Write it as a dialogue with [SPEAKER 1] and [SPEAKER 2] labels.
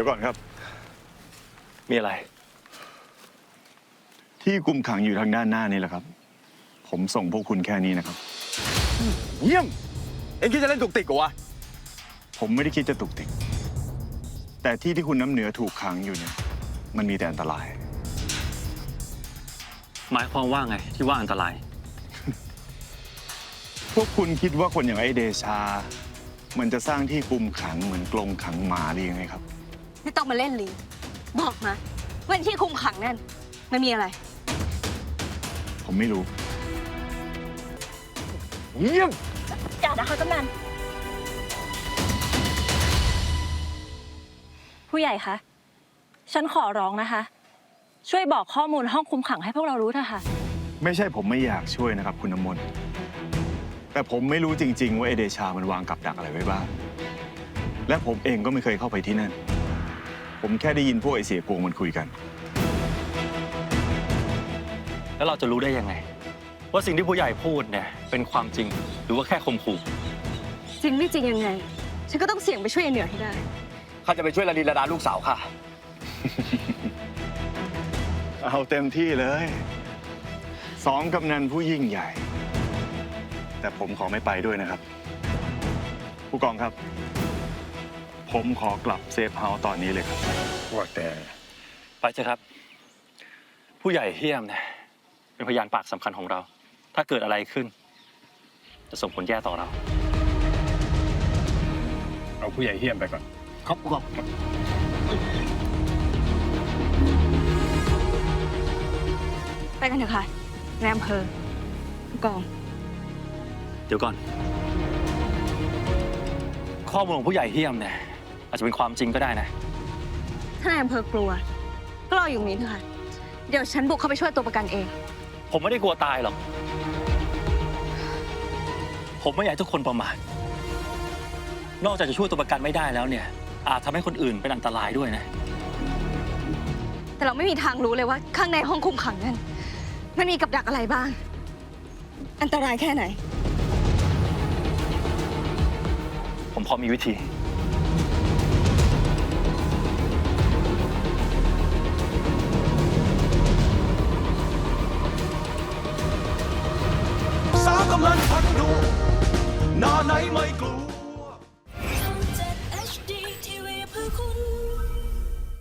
[SPEAKER 1] ยวก่อนครับ
[SPEAKER 2] มีอะไร
[SPEAKER 1] ที่คุมขังอยู่ทางด้านหน้านี่แหละครับ ผมส่งพวกคุณแค่นี้นะครับ
[SPEAKER 3] เยี่ยมเอ็งคิดจะเล่นตุกติกเหรอวะ
[SPEAKER 1] ผมไม่ได้คิดจะตุกติก แต่ที่คุณน้ำเหนือถูกขังอยู่เนี่ย มันมีแต่อันตราย
[SPEAKER 2] หมายความว่าไงที่ว่าอันตราย
[SPEAKER 1] พวกคุณคิดว่าคนอย่างไอ้เดชา มันจะสร้างที่คุมขังเหมือนกรงขังหมาหรือยังไงครับ
[SPEAKER 4] ไม่ต้องมาเล่นลีบอกมาว่าที่คุมขังนั่นมันมีอะไร
[SPEAKER 1] ผมไม่รู้
[SPEAKER 3] เยี่ยม
[SPEAKER 4] อย่านะคะกำนันผู้ใหญ่คะฉันขอร้องนะคะ ช่วยบอกข้อมูลห้องคุมขังให้พวกเรารู้เถอะค่ะ
[SPEAKER 1] ไม่ใช่ผมไม่อยากช่วยนะครับคุณน้ำมนต์แต่ผมไม่รู้จริงๆว่าไอเดชามันวางกับดักอะไรไว้บ้าง และผมเองก็ไม่เคยเข้าไปที่นั่น ผมแค่ได้ยินพวกไอเสียกวงมันคุยกัน
[SPEAKER 2] แล้วเราจะรู้ได้ยังไง ว่าสิ่งที่ผู้ใหญ่พูดเนี่ยเป็นความจริงหรือว่าแค่ข่มขู่
[SPEAKER 4] จริงไม่จริงยังไง ฉันก็ต้องเสี่ยงไปช่วยไอ้เหนือให้ได้
[SPEAKER 3] ข้าจะไปช่วยระดีระดาลูกสาวข้า
[SPEAKER 1] เอาเต็มที่เลยสองกำนันผู้ยิ่งใหญ่ แต่ผมขอไม่ไปด้วยนะครับ ผู้กองครับ ผมขอกลับเซฟเฮาส์ตอนนี้เลยครับ
[SPEAKER 3] ว่าแต่
[SPEAKER 2] ไปเถอะครับ ผู้ใหญ่เฮี้ยมเนี่ยเป็นพยานปากสำคัญของเรา ถ้าเกิดอะไรขึ้น จะส่งผลแย่ต่อเรา
[SPEAKER 3] เอาผู้ใหญ่เฮี้ยมไปก่อน
[SPEAKER 2] ครับผู้กอง
[SPEAKER 4] ไปกันเถอะค่ะนายอำเภอผู้กอง
[SPEAKER 2] เดี๋ยวก่อน ข้อมูลของผู้ใหญ่เฮี้ยมเนี่ยอาจจะเป็นความจริงก็ได้นะ
[SPEAKER 4] ถ้านายอำเภอกลัว ก็รออยู่ตรงนี้เถอะค่ะ เดี๋ยวฉันบุกเข้าไปช่วยตัวประกันเอง
[SPEAKER 2] ผมไม่ได้กลัวตายหรอก ผมไม่อยากให้ทุกคนประมาท นอกจากจะช่วยตัวประกันไม่ได้แล้วเนี่ย อาจทำให้คนอื่นเป็นอันตรายด้วยนะ
[SPEAKER 4] แต่เราไม่มีทางรู้เลยว่าข้างในห้องคุมขังนั้นมันมีกับดักอะไรบ้าง อันตรายแค่ไหน
[SPEAKER 2] ผมพอมีวิธี
[SPEAKER 5] สาวกำลังพักดูหน้าไหนไม่กลัว